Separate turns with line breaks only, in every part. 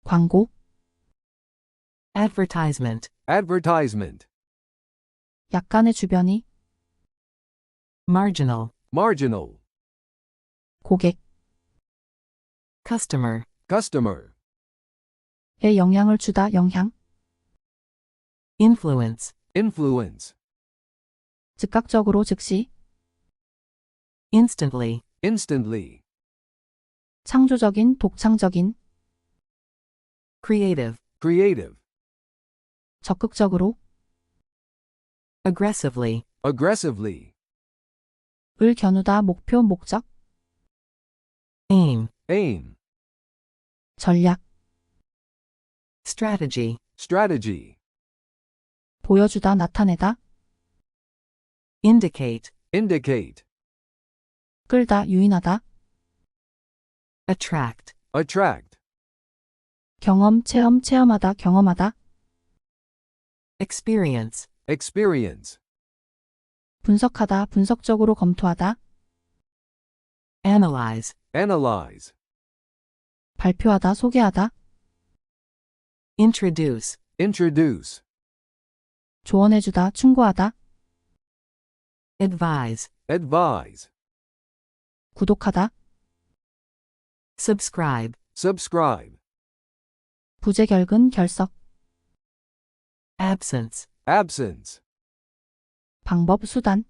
광고,
advertisement,
advertisement,
약간의 주변이,
marginal,
marginal,
고객,
customer,
customer,
에 영향을 주다 영향,
influence,
influence,
즉각적으로 즉시,
instantly,
instantly,
창조적인 독창적인,
creative,
creative,
적극적으로,
aggressively,
aggressively,
을 겨누다 목표 목적,
aim,
aim,
전략,
strategy,
strategy,
보여주다 나타내다,
indicate,
indicate,
끌다 유인하다,
attract,
attract,
경험 체험 체험하다 경험하다,
experience,
experience,
분석하다 분석적으로 검토하다,
analyze,
analyze,
발표하다 소개하다,
introduce,
introduce,
조언해주다 충고하다,
advise,
advise,
구독하다,
subscribe,
subscribe,
부재결근 결석,
absence,
absence,
방법 수단,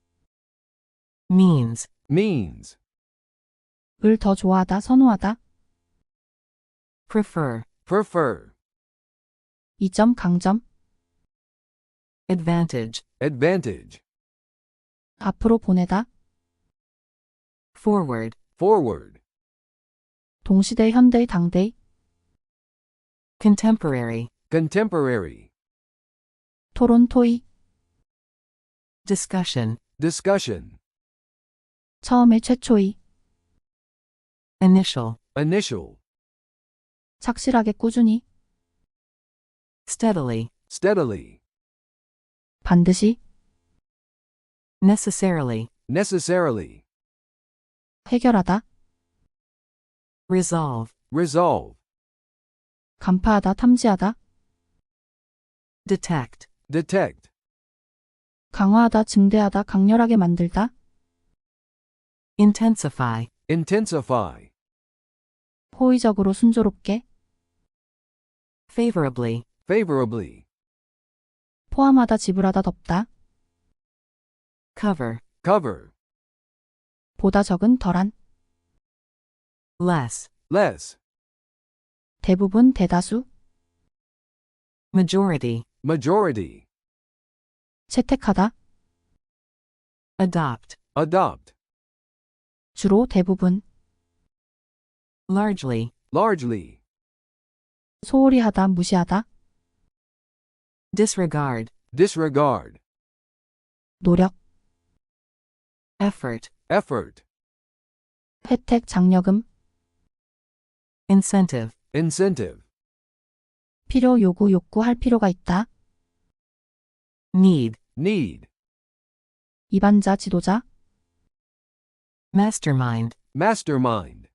means,
means,
을 더 좋아하다 선호하다,
prefer,
prefer,
이점 강점,
advantage,
advantage,
앞으로 보내다,
forward,
forward,
동시대 현대 당대,
contemporary,
contemporary,
토론 토의,
discussion,
discussion,
처음에 최초의,
initial,
initial,
착실하게 꾸준히,
steadily,
steadily,
반드시,
necessarily,
necessarily,
해결하다,
resolve,
resolve,
간파하다 탐지하다,
detect,
detect,
강화하다 증대하다 강렬하게 만들다,
intensify,
intensify,
호의적으로 순조롭게,
favorably,
favorably,
포함하다 지불하다 덮다,
cover,
cover,
보다 적은 덜한,
less,
less,
대부분 대다수,
majority,
majority,
채택하다,
adopt,
adopt,
주로 대부분,
largely,
largely,
소홀히 하다 무시하다,
disregard,
disregard,
노력,
effort,
effort,
혜택 장려금,
incentive,
incentive,
필요 요구 욕구할 필요가 있다,
need,
need,
이반자 지도자,
mastermind,
mastermind,